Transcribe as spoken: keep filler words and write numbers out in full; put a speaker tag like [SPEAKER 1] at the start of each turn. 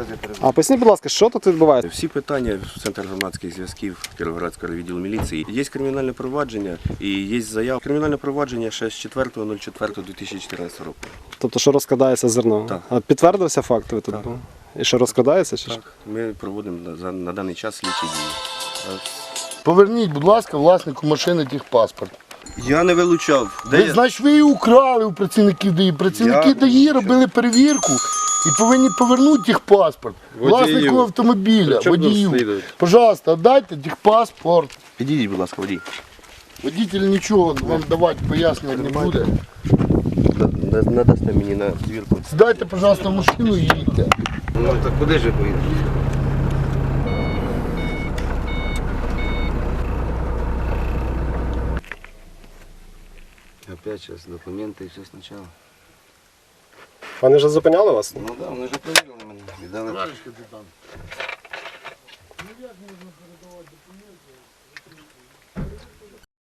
[SPEAKER 1] А поясніть, будь ласка, що тут відбувається?
[SPEAKER 2] Всі питання в Центр громадських зв'язків Кіровоградського відділу міліції. Є кримінальне провадження і є заява. Кримінальне провадження ще з четвертого четвертого дві тисячі чотирнадцятого року.
[SPEAKER 1] Тобто, що розкрадається зерно?
[SPEAKER 2] Так.
[SPEAKER 1] А підтвердився факт? Ви тут
[SPEAKER 2] Так.
[SPEAKER 1] були? І що розкрадається? Чи що?
[SPEAKER 2] Так, ми проводимо на, за- на даний час слідчі дії.
[SPEAKER 3] Поверніть, будь ласка, власнику машини техпаспорт.
[SPEAKER 2] Я не вилучав. Де
[SPEAKER 3] Ви,
[SPEAKER 2] я?
[SPEAKER 3] значить, ви її украли у працівників ДАІ. Працівники
[SPEAKER 2] Я-
[SPEAKER 3] ДАІ робили перевірку і повинні повернути техпаспорт
[SPEAKER 2] Водію.
[SPEAKER 3] власнику автомобіля,
[SPEAKER 2] Причому тут
[SPEAKER 3] водію.
[SPEAKER 2] слідують?
[SPEAKER 3] Пожалуйста, дайте техпаспорт.
[SPEAKER 2] Підійдіть, будь ласка, водій.
[SPEAKER 3] Водитель нічого вам давати пояснювати не буде.
[SPEAKER 2] На- Надасте мені на звірку.
[SPEAKER 3] Сідайте, пожалуйста, в машину і їдьте.
[SPEAKER 2] Ну так куди ж ви поїдете?
[SPEAKER 4] Опять сейчас документы и все сначала.
[SPEAKER 1] Вони вже зупиняли вас?
[SPEAKER 4] Ну да, вони ж перевірили мене. Віддали.
[SPEAKER 3] Товариш капітан. Ну як можна передавати документи?